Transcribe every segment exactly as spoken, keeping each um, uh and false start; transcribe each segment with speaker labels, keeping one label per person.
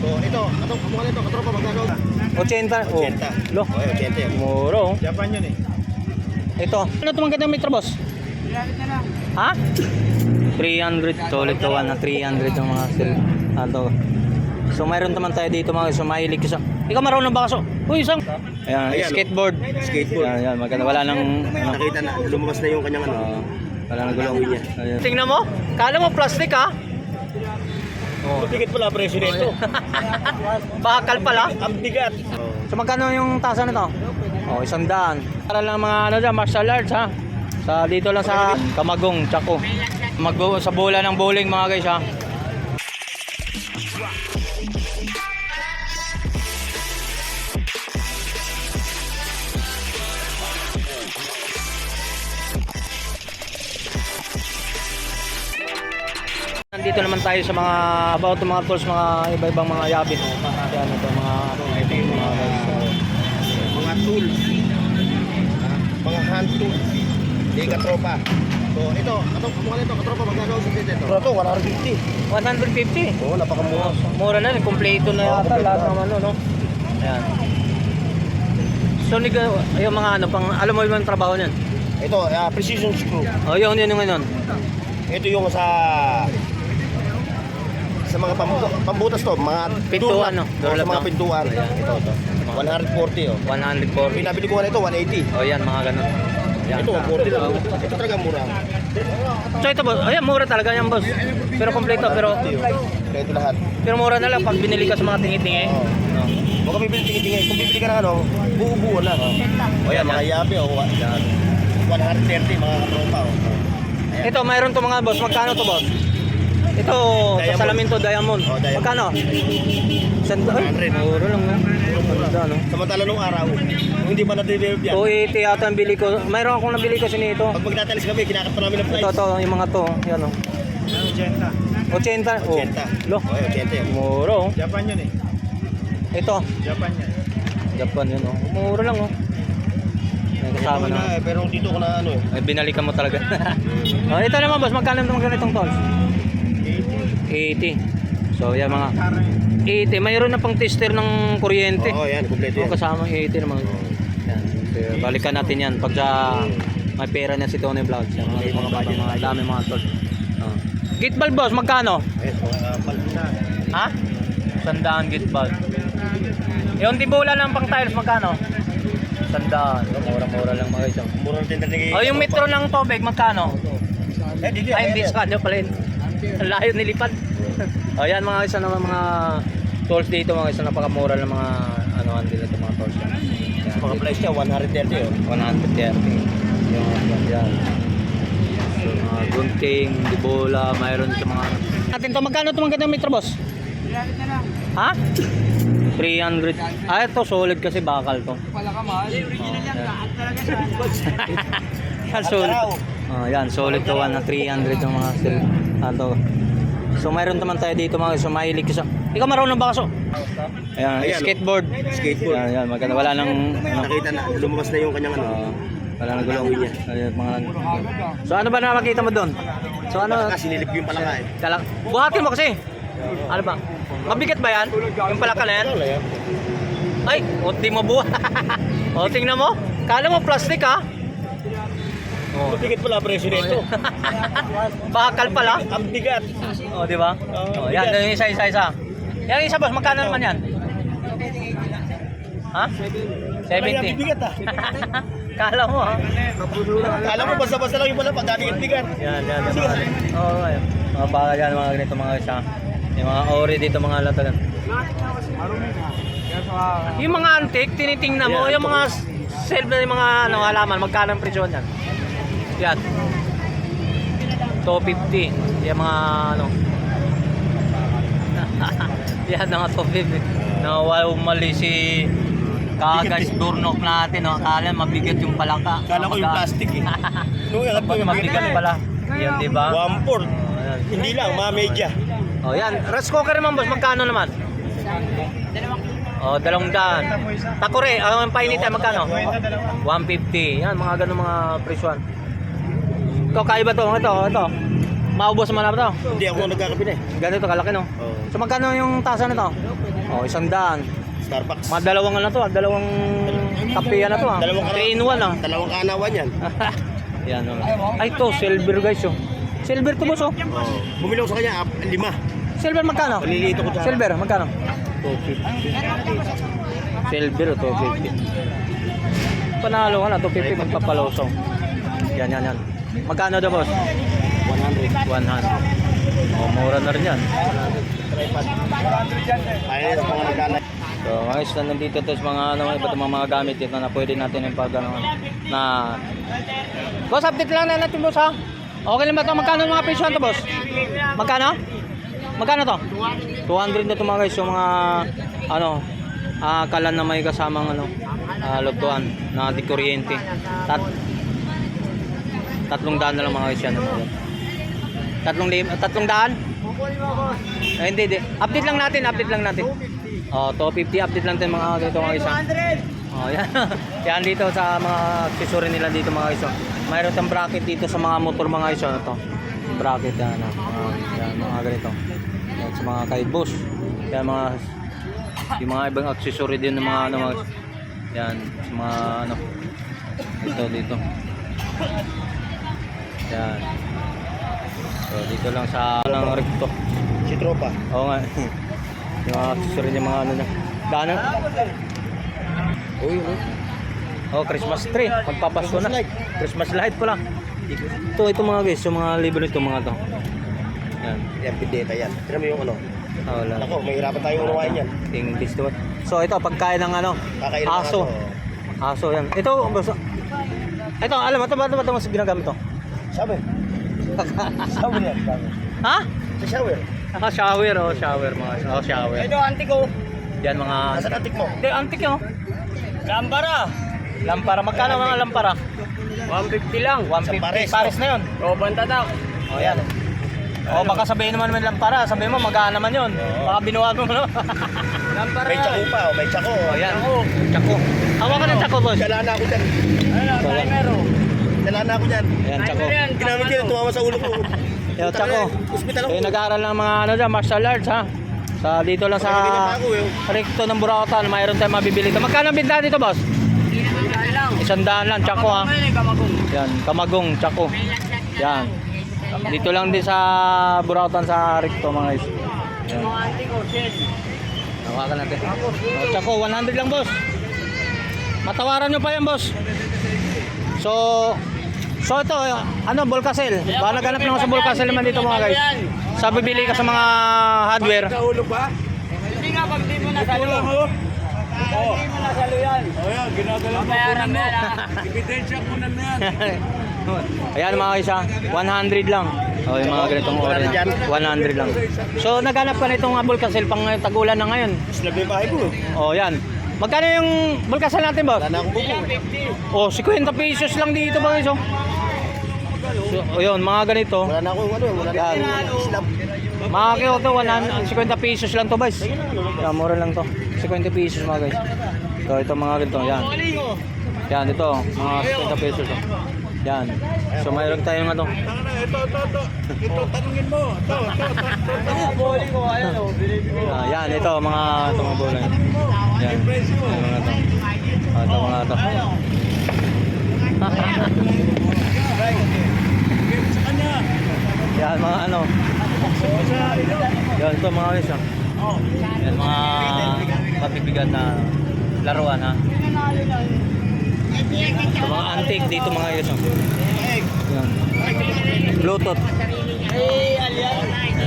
Speaker 1: So, ito, atong kumuha nito, katropa magkano?
Speaker 2: eighty. Oh.
Speaker 1: eighty.
Speaker 2: Lo.
Speaker 1: Oh, eighty yan.
Speaker 2: Muro.
Speaker 1: Japan yun eh.
Speaker 2: Ito. Ano itong magandang metro, boss? Ha? three hundred. Solid to one na three hundred yung mga sil. Ano. So mayroon naman tayo dito mga sumahilig ko sa. Ikaw marunong ba kaso? Uy, isang. Ayan,
Speaker 1: Ayan,
Speaker 2: skateboard.
Speaker 1: Skateboard.
Speaker 2: Ayan, ayan, maganda. Wala nang ano.
Speaker 1: Nakita na, lumabas na yung kanyang ano.
Speaker 2: Uh, wala nang gulong niya. Ayan. Tingnan mo. Kala mo plastic ha?
Speaker 1: Oh. Mabigat pala presyo nito.
Speaker 2: Bakal pala.
Speaker 1: Ang bigat.
Speaker 2: So magkano yung tasa nito? Oh, isang daan. Para lang mga ano dyan, martial arts ha. Sa dito lang sa Kamagong, Chaco. Mag sa bola ng bowling mga guys ha. Nandito naman tayo sa mga about mga tools, mga iba-ibang mga yabi. Yan ito mga
Speaker 1: Ito yung mga, mga tools. Mga hand tools. Hindi katropa. So, ito, atong kumuha nito, katropa magkano sa dito? Ito, one fifty.
Speaker 2: one fifty.
Speaker 1: Oo, oh, napakamura.
Speaker 2: Mura na, kompleto na yata lahat ng ano, no? Ayan. So, nig yung mga ano, pang, alam mo yung trabaho niyan?
Speaker 1: Ito, uh, precision screw.
Speaker 2: Oh, yun, yun, yun, yun.
Speaker 1: Ito yung sa sa mga pambu pambutas to, mga
Speaker 2: Pintuan, no?
Speaker 1: Door
Speaker 2: Door
Speaker 1: sa
Speaker 2: lock,
Speaker 1: mga
Speaker 2: no?
Speaker 1: pintuan.
Speaker 2: Ayan.
Speaker 1: Ito, ito. one forty oh.
Speaker 2: one forty.
Speaker 1: Pinabili ko na ito, one eighty.
Speaker 2: Oh, yan, mga ganun. Yan.
Speaker 1: Ito, one forty lang. Ito talaga mura.
Speaker 2: So, ito, boss. Ayan, mura talaga yan, boss. Pero kompleto, pero
Speaker 1: Kaya ito lahat.
Speaker 2: pero mura na lang pag binili ka sa mga tingi-tingi.
Speaker 1: Oo.
Speaker 2: No?
Speaker 1: Huwag ka bibili tingin-tingin. Kung bibili ka ng ano, buo-buo lang. O yan, mga yabe o one thirty mga katropa. oh.
Speaker 2: Ito, mayroon to mga boss. Magkano to, boss? Ito, sa
Speaker 1: Diamond.
Speaker 2: salamin to, diamond.
Speaker 1: Oh, diamond.
Speaker 2: Magkano? Sand ay,
Speaker 1: one hundred.
Speaker 2: mura lang. no? Ganda, no?
Speaker 1: Samantala nung araw, kung hindi pa na-develop yan,
Speaker 2: two eighty yata ang bili ko. Mayroon akong nabili kasi nito.
Speaker 1: pag magtatalis kami, kinakat pa namin ng price.
Speaker 2: Ito, to, yung mga to. Yan, o. eighty. Oh.
Speaker 1: eighty.
Speaker 2: Lo.
Speaker 1: Oh, eighty.
Speaker 2: Mura, oh.
Speaker 1: Japan yun eh.
Speaker 2: Ito.
Speaker 1: Japan yan.
Speaker 2: Japan yun, oh. Mura lang, oh. May kasama
Speaker 1: Ito
Speaker 2: na.
Speaker 1: na, pero dito ko na ano eh.
Speaker 2: Ay, binalikan mo talaga. Oh, ito naman, boss. Magkano naman ganitong tools? eighty. So, yan mga eighty. Mayroon na pang tester ng kuryente.
Speaker 1: Oo, yan, kompleto
Speaker 2: Oh,
Speaker 1: yan.
Speaker 2: kasama eighty naman. Yan. So, balikan natin yan pag sa may pera na si Tony Vlogs. Yan, mga, mga, mga, mga dami mga tools. Oh. Gate valve, boss. Magkano?
Speaker 1: Ayun, mga paldo na.
Speaker 2: Ha? Sandaan gate valve. Yung tibola ng pang tiles, magkano? Sandaan. Mura-mura lang mga isang.
Speaker 1: Mura ng tindahan ni-
Speaker 2: Oh, yung metro ng tubig, magkano?
Speaker 1: Eh, dito yan.
Speaker 2: Ay,
Speaker 1: Ay,
Speaker 2: bis ka, nyo pala yun. Ang layo nilipad. O yan mga isa naman mga tools dito, mga isa napakamura ng mga ano nila ito mga tools. Yan.
Speaker 1: mga price niya, one thirty oh.
Speaker 2: one thirty. Yung yan, yan. So, mga gunting, dibola, mayroon sa mga natin to. Magkano ito magandang metro, boss? Ha? three hundred. Ah, ito solid kasi bakal to.
Speaker 3: Pala ka mahal. Original yan, lahat talaga siya.
Speaker 2: Yan, solid. Oh, yan, solid to one na three hundred yung mga sil. Ano. So mayroon naman tayo dito mga sumahilig ko sa. Ikaw marunong ba kaso? Ayan,
Speaker 1: Ayan,
Speaker 2: skateboard.
Speaker 1: Skateboard.
Speaker 2: Yan, yan, maganda. Wala nang ano.
Speaker 1: Nakita na, lumabas na yung kanyang ano.
Speaker 2: Uh, wala nang gulong niya. Ayan, mga so ano ba nakakita mo doon? So ano?
Speaker 1: Kasi sinilip ko yung palaka eh.
Speaker 2: Kalak. Buhatin mo kasi. Ano ba? Mabigat ba yan? Yung palaka na yan?
Speaker 1: Wala yan.
Speaker 2: Ay, o di mo buha. O tingnan mo. Kala mo plastic ha? Oh.
Speaker 1: Mabigat pala presyo nito.
Speaker 2: Bakal pala.
Speaker 1: Ang bigat.
Speaker 2: Oh, di ba? Oh, yan, yung isa isa isa. Yung isa boss, magkano naman yan? Ha? seventy.
Speaker 1: Ang bigat ah.
Speaker 2: Kala mo ha?
Speaker 1: Alam mo, basta-basta lang yung pala pag dating bigat.
Speaker 2: Yan, yan, yan. Mga, oh, yan. Mga baka yan, mga ganito mga isa. Yung mga ori dito, mga latagan. Yung mga antique, tinitingnan mo, yung mga shelf na yung mga ano, halaman, magkano ang presyo niyan? Yan. two fifty. Yung mga ano. Yan, mga two fifty. Nawala mali si Kagas Durnok natin, no? Akala mabigat yung palaka.
Speaker 1: Kala ko yung plastic eh. No, yan po yung
Speaker 2: Mabigat pala. Yan, di ba?
Speaker 1: one fourth.
Speaker 2: Oh, yan.
Speaker 1: Hindi lang, mga media.
Speaker 2: Oh, yan. Rice cooker naman, boss. Magkano naman? Oh, dalawang daan. Takore, ang painitan magkano? one fifty. Yan, mga ganun mga presyon. Ito, kaiba to. Ito, ito. maubos man na ba to?
Speaker 1: Hindi ako nagkakape na eh.
Speaker 2: Ganito kalaki no?
Speaker 1: Oo.
Speaker 2: So magkano yung tasa nito? Oh, isang daan.
Speaker 1: Starbucks.
Speaker 2: Mga dalawang ano to, ah, dalawang kapeya na to ah.
Speaker 1: Dalawang
Speaker 2: three in one ah.
Speaker 1: Dalawang kanawan yan.
Speaker 2: Yan oh. Ay to, silver guys oh. Silver to boss oh.
Speaker 1: Oo. Bumili ako sa kanya, ah, lima.
Speaker 2: Silver magkano?
Speaker 1: Maliliit ako dyan.
Speaker 2: Silver magkano? two fifty. Silver two fifty. Panalo ka na, two fifty magpapalosong. Yan, yan, yan. Magkano daw boss?
Speaker 1: one hundred.
Speaker 2: one hundred. Oh, mura na rin yan.
Speaker 1: Tripod. Ayun, sa mga nagkala.
Speaker 2: So, guys, na nandito to sa mga ano, iba't ibang mga gamit dito na pwede natin yung pag ano, na boss, update lang na natin boss ha. Okay lang ba ito? Magkano yung mga presyo to boss? Magkano? Magkano to? two hundred na ito mga guys, yung mga ano, ah, kalan na may kasamang ano, ah, lutuan na di kuryente. Tat tatlong daan na lang mga guys yan. Tatlong lim tatlong daan? Eh, hindi, hindi. Update lang natin, update lang natin. Oh, two fifty update lang din mga ganito mga guys. Oh, yan. Yan dito sa mga accessory nila dito mga guys. Mayroon tayong bracket dito sa mga motor mga guys. Ito. Bracket yan, ano. Uh, yan mga ganito. Yan sa mga kay boss. Yan mga yung mga ibang accessory din ng mga ano mga yan sa mga ano. Ito dito. Yan. So dito lang sa lang recto.
Speaker 1: Si Tropa.
Speaker 2: Oo nga. Yung mga accessory niya mga ano na. Daanan.
Speaker 1: Uy, uy.
Speaker 2: Oh, Christmas tree. Magpapasko na.
Speaker 1: Christmas light.
Speaker 2: Christmas light pala. Ito, ito mga guys, yung mga libro nito mga to. Yan.
Speaker 1: Yan, pindeta yan. Tira mo yung ano.
Speaker 2: Oh, wala.
Speaker 1: Ako, mahirapan tayong unawain yan.
Speaker 2: English to. So ito, pagkain ng ano,
Speaker 1: Kakain ng
Speaker 2: aso. Aso yan. Ito, basta. Ito, alam mo, ito ba ito ba ito mas ginagamit to?
Speaker 1: Sabi. Sabi yan. Sabi.
Speaker 2: Ha?
Speaker 1: Sa shower.
Speaker 2: Ah, shower, oh, shower mga. Oh, shower.
Speaker 3: Ito, antik ko.
Speaker 2: Yan mga.
Speaker 1: Nasa natik mo.
Speaker 2: Hindi, antik yun.
Speaker 3: Lampara.
Speaker 2: Lampara. Magkano mga lampara?
Speaker 3: one fifty lang.
Speaker 2: one fifty.
Speaker 1: Pares,
Speaker 2: Pares na yun.
Speaker 3: O, bantatak.
Speaker 2: Oh, yan. O, baka sabihin naman may lampara. Sabihin mo, magkano naman yun. Baka binuwag mo, no?
Speaker 3: Lampara.
Speaker 1: May tsako pa, oh, may tsako.
Speaker 2: Oh, yan. Tsako. Hawakan ng tsako, boss.
Speaker 1: Dala na ako dyan.
Speaker 3: Ano, timer o.
Speaker 1: Dala na ako dyan.
Speaker 2: Ayan, tsako.
Speaker 1: Ginamit yun, tumawa sa ulo ko.
Speaker 2: Yo, tsako.
Speaker 1: Hospital ako.
Speaker 2: Eh, nag-aaral ng mga ano dyan, martial arts, ha? Sa dito lang sa recto ng Burautan, mayroon tayong mabibili ito. Magkano ang binta dito, boss?
Speaker 3: lang.
Speaker 2: Isang daan lang, tsako, ha?
Speaker 3: Kamagong.
Speaker 2: Yan, kamagong, tsako. Yan. Dito lang din sa Burautan sa recto, mga guys. Yan.
Speaker 3: Mga antik ko, shit.
Speaker 2: Hawakan natin. Oh, tsako, one hundred lang, boss. Matawaran nyo pa yan, boss. So, so ito, ano, Volcasel. Baka naghanap naman sa Volcasel naman dito, mga guys. Sa bibili ka sa mga hardware.
Speaker 1: Kahulog ba?
Speaker 3: Hindi nga, pag di mo nasalo.
Speaker 1: oh.
Speaker 3: Oo. Hindi mo nasalo yan.
Speaker 1: O yan, ginagalang
Speaker 3: Bayaran mo yan, ha?
Speaker 1: Ebidensya ko na yan.
Speaker 2: Ayan mga guys, ha, one hundred lang. Oh, yung mga ganitong oras na. one hundred lang. So, naghanap ka nitong Volcasel pang tagulan na ngayon.
Speaker 1: Slab yung bahay ko.
Speaker 2: Oh, yan. Magkano yung Volcasel natin, boss?
Speaker 1: Wala na akong buko.
Speaker 2: Oh, fifty pesos lang dito, mga guys, oh. So, oh, yun, mga ganito.
Speaker 1: Wala na akong ano, wala na akong slab.
Speaker 2: Mga kilo to, fifty pesos lang to, guys. Yan, mura lang to. fifty pesos, mga guys. So, ito mga ganito, yan. Yan, ito, mga fifty pesos. Oh. Yan. So, mayroon tayong ano.
Speaker 1: Ito, ito, ito. Ito, tanungin mo. Ito, ito, ito.
Speaker 3: Mga bowling ko, ayan o.
Speaker 2: Ah, yan, ito, mga ito, mga bola. Yan. Yan, mga ito. Ah, ito, mga ito. Yan, mga ano. Yan, ito, mga guys. Oh. Yan, mga mabibigat na laruan, ha. Ito, mga antique dito, mga guys. Oh. Yan. Bluetooth.
Speaker 3: Hey, alyan.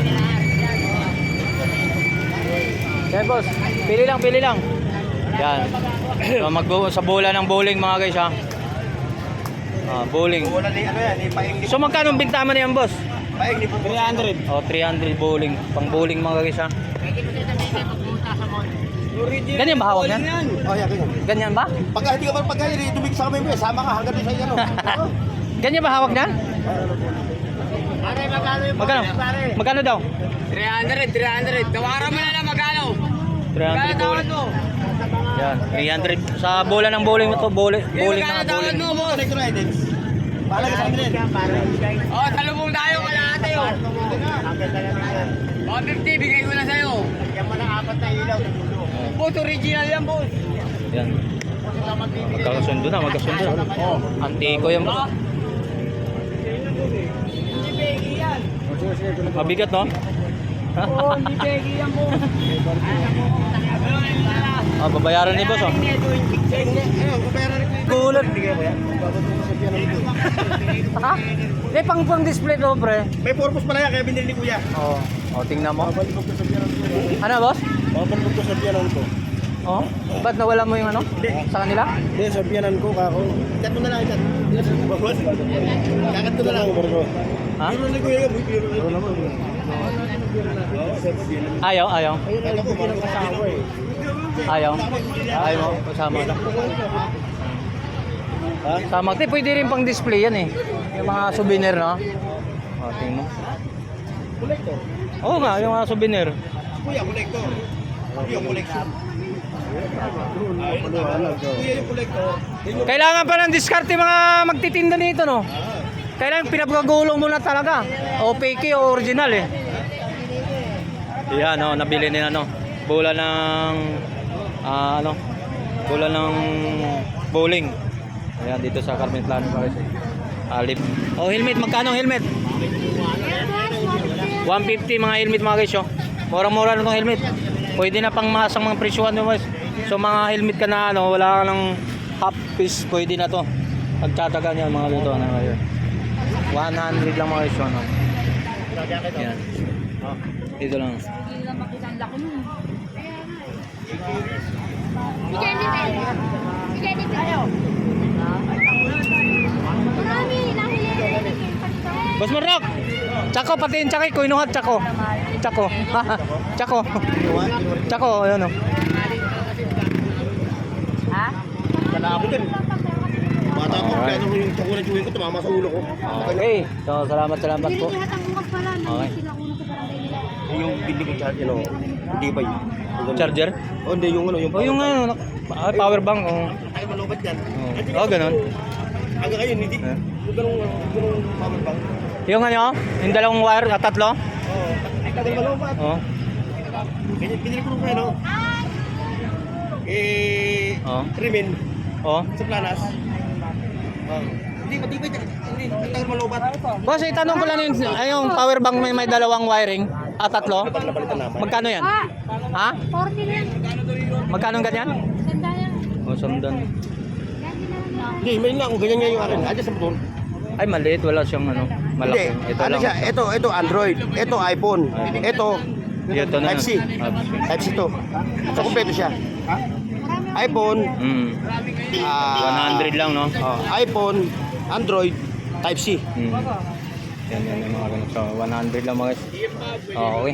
Speaker 2: Yan, boss. Pili lang, pili lang. Yan. So, mag sa bola ng bowling, mga guys, ha. Ah, bowling.
Speaker 1: Wala na ano yan, ipaing ni
Speaker 2: So, magkano ang binta mo na yan, boss?
Speaker 1: Paing ni three hundred.
Speaker 2: Oh, three hundred bowling. Pang bowling, mga guys, ha. Ganyan ba hawak niyan?
Speaker 1: Oh, yeah, ganyan.
Speaker 2: Ganyan ba?
Speaker 1: Pagka hindi ka pa pagka tumig sa kamay mo, eh, sama ka hanggang doon sa iyo. Oh.
Speaker 2: Ganyan ba hawak niyan?
Speaker 3: Pare, magkano yung
Speaker 2: Magkano?
Speaker 3: bowling, pare?
Speaker 2: Magkano daw?
Speaker 3: three hundred, three hundred. Tawaran mo na lang magkano.
Speaker 2: three hundred
Speaker 3: Magkano tawad
Speaker 2: bowling.
Speaker 3: mo?
Speaker 2: Yan, three hundred. Sa bola ng bowling mo to, bowling,
Speaker 3: Eh,
Speaker 2: bowling
Speaker 3: magkano
Speaker 2: na
Speaker 3: tawad
Speaker 2: bowling.
Speaker 3: mo, boss?
Speaker 1: Electronics. Bahala ka sa amin.
Speaker 3: Oh, talubong tayo, kalahati. sa'yo. one fifty, bigay ko na sa'yo. Yan mo na apat na ilaw. Boss, original yan, boss.
Speaker 2: Yan. Magkakasundo na, magkasundo na. Oh, antiko yan. boss.
Speaker 3: Hindi pegi yan.
Speaker 2: Mabigat, no?
Speaker 3: Oo, hindi pegi yan, boss.
Speaker 2: Ah, babayaran ni boss, oh.
Speaker 1: Ano, kapayaran rin ko.
Speaker 2: Gulat.
Speaker 1: Bigay mo yan. Babagay sa piano nito.
Speaker 2: Ha? Eh, pang pang display to, pre.
Speaker 1: May purpose pala yan, kaya binili ni Kuya.
Speaker 2: Oo. Oh, tingnan mo.
Speaker 1: Babalik ko sa piano nito.
Speaker 2: Ano, boss?
Speaker 1: Babalik ko sa piano nito.
Speaker 2: Oh? Ba't nawala mo yung ano? Sa kanila?
Speaker 1: Hindi, sa piano ko, kako. Ikat mo na lang, ikat. Babos. Kakat ko na lang.
Speaker 2: Ha?
Speaker 1: Biro ni Kuya yan, biro naman.
Speaker 2: Ayaw, ayaw.
Speaker 1: Kaya ko, parang kasawa eh.
Speaker 2: Ayaw. Ayaw mo, kasama na.
Speaker 1: Ha?
Speaker 2: Sama. Te, pwede rin pang display yan eh. Yung mga souvenir, no? Oh, tingnan mo.
Speaker 1: Collector.
Speaker 2: Oo nga, yung mga souvenir.
Speaker 1: Kuya, collector. Kuya, collection. Kuya, yung collector.
Speaker 2: Kailangan pa ng diskarte mga magtitinda nito, no? Kailangan pinapagagulong mo na talaga. O fake o original eh. Yan, no, nabili nila, no. Bola ng ah, ano? Bola ng bowling. Ayan, dito sa Carmen Plano pa kasi. Alip. Oh, helmet, magkano ang helmet? one fifty mga helmet mga guys, oh. Murang-mura na tong helmet. Pwede na pang masang mga presyuhan mo, guys. So mga helmet ka na ano, wala ka ng half piece, pwede na to. Pagtataga niya mga luto na ngayon. one hundred lang mga guys, ano. Yan. Dito lang.
Speaker 4: Si Jennifer. Si Jennifer. Ayaw. Marami. Nahuli.
Speaker 2: Boss Marok! Tsako, patiin tsakay ko, inuhat tsako. Tsako. Tsako. Tsako, ayun o.
Speaker 4: Ha?
Speaker 1: Kala ako din. Bata ko,
Speaker 2: Alright.
Speaker 1: kaya nung yung tukunan chewin ko, tumama sa ulo ko.
Speaker 2: Okay. So, salamat, salamat po.
Speaker 4: Lahat ang bukas pala.
Speaker 2: Okay.
Speaker 4: Sila kuno sa barangay nila.
Speaker 1: Yung bindi ko charge, ano, hindi ba yun?
Speaker 2: Charger?
Speaker 1: Oh, hindi, yung ano, yung
Speaker 2: O yung ano, nak- ah, power bank. Oh,
Speaker 1: Ay, malubat yan.
Speaker 2: oh. Oh, ganun.
Speaker 1: Hanggang ngayon, hindi.
Speaker 2: Eh?
Speaker 1: Yung ganung, ganung power bank.
Speaker 2: Yung ano, yung dalawang wire at tatlo.
Speaker 1: Oo, tagal malubat.
Speaker 2: Oh.
Speaker 1: Ganyan, binili ko nung kaya, no? Eh,
Speaker 2: Oh.
Speaker 1: Rimin,
Speaker 2: Oh.
Speaker 1: sa Planas. Oh. Hindi, matibay. Hindi, ang tagal malubat.
Speaker 2: Boss, itanong ko lang yung, ay, yung power bank may, may dalawang wiring at tatlo.
Speaker 1: Pag napalitan naman.
Speaker 2: Magkano yan?
Speaker 4: Ah!
Speaker 2: Ha?
Speaker 4: forty na yan.
Speaker 2: Magkano ganyan?
Speaker 4: Ganda yan.
Speaker 2: Oh, sundan.
Speaker 1: Hindi, may nga, kung ganyan nga yung akin. Adya sa motor.
Speaker 2: Ay, maliit. Wala siyang ano, malaki.
Speaker 1: Hindi,
Speaker 2: Ito
Speaker 1: ano
Speaker 2: lang.
Speaker 1: siya, ito, ito Android, ito iPhone, ito
Speaker 2: Ito na.
Speaker 1: Type C.
Speaker 2: Type C.
Speaker 1: Type C to. So, kumpleto siya. iPhone,
Speaker 2: Mm.
Speaker 1: ah,
Speaker 2: one hundred lang, no?
Speaker 1: oh, iPhone, Android, Type C.
Speaker 2: Mm. Yan, yan, yung mga ganun. So, one hundred lang mga guys. Oh, okay.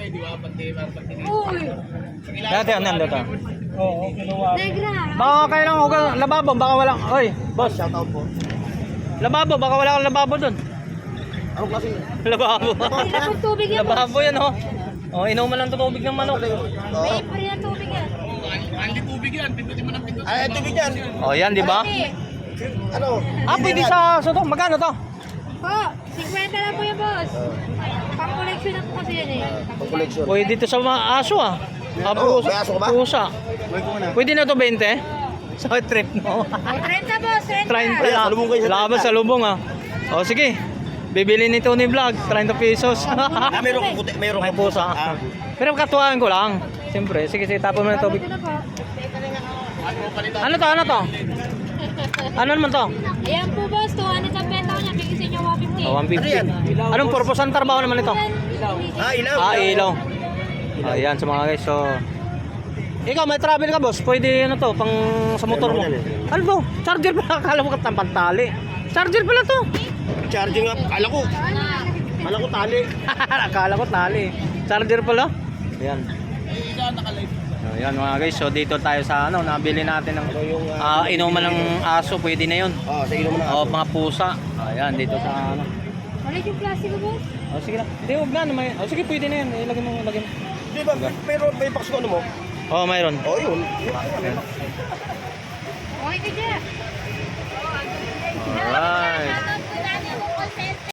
Speaker 4: Uy!
Speaker 2: Dati, ano yan, dati?
Speaker 4: Negra!
Speaker 2: Baka kailangan ko ka lababo, baka wala. Oy, boss,
Speaker 1: Shout out po.
Speaker 2: lababo, baka wala kang lababo doon.
Speaker 1: Anong klase?
Speaker 2: Lababo.
Speaker 4: Wala pong tubig yan.
Speaker 2: Lababo yan, oh. Oh, inuman lang tubig ng manok.
Speaker 1: Oh.
Speaker 4: May free na tubig yan.
Speaker 1: Ay, tubig yan.
Speaker 2: Oh, yan, di ba?
Speaker 4: Pwede.
Speaker 1: Ano?
Speaker 2: Ah, pwede sa so to. Magkano to?
Speaker 4: Po, fifty lang po yan, boss. Pang-collection na po kasi yan eh.
Speaker 1: Pag collection.
Speaker 2: Pwede dito sa mga aso, ah. Ah,
Speaker 1: Oo,
Speaker 2: pusa.
Speaker 1: may aso ka ba?
Speaker 2: Pusa.
Speaker 1: May ko na.
Speaker 2: Pwede na to twenty? Sa trip mo.
Speaker 4: O, thirty, boss, thirty.
Speaker 2: thirty
Speaker 1: Ayan,
Speaker 2: na.
Speaker 1: salubong kayo sa
Speaker 2: Laban
Speaker 1: thirty.
Speaker 2: sa lubong, ah. O, sige. Bibili ni Tony Vlog, thirty pesos.
Speaker 1: Ah, meron kong puti, meron
Speaker 2: May
Speaker 1: kong
Speaker 2: pusa.
Speaker 1: Ah.
Speaker 2: Pero katuwaan ko lang. Siyempre, sige, sige, tapon mo ng tubig.
Speaker 4: Ito na po.
Speaker 2: Ano to, ano to? Ano naman to?
Speaker 4: Ayan po, boss. two hundred ang benta ko niya. Bigyan sa inyo one fifty.
Speaker 2: Oh, one fifty.
Speaker 1: Ano yan?
Speaker 2: Anong purpose ang trabaho naman ito?
Speaker 1: Ah, ilaw.
Speaker 2: Ah, ilaw. Ayan sa mga guys. So, ikaw may travel ka, boss. Pwede ano to, pang sa motor mo. Ano to? Charger pala. Akala mo ka pantali. Charger pala to.
Speaker 1: Charging up. Kala ko. Kala ko tali.
Speaker 2: Akala ko tali. Charger pala. Ayan. Ayan mga guys. So dito tayo sa ano, nabili natin ng ah, inuman ng aso. Pwede na yun.
Speaker 1: Oh, sa ilaw mo na.
Speaker 2: O mga pusa. Ayan dito sa ano.
Speaker 4: Ulit yung plastic ko, boss.
Speaker 2: O sige na. Hindi, huwag na. May, o sige, pwede na yan. Ilagay mo, ilagay mo.
Speaker 1: Di ba, pero may box ko ano mo?
Speaker 2: Oh, mayroon.
Speaker 1: Oh, yun.
Speaker 4: Okay ka dyan.
Speaker 2: Alright.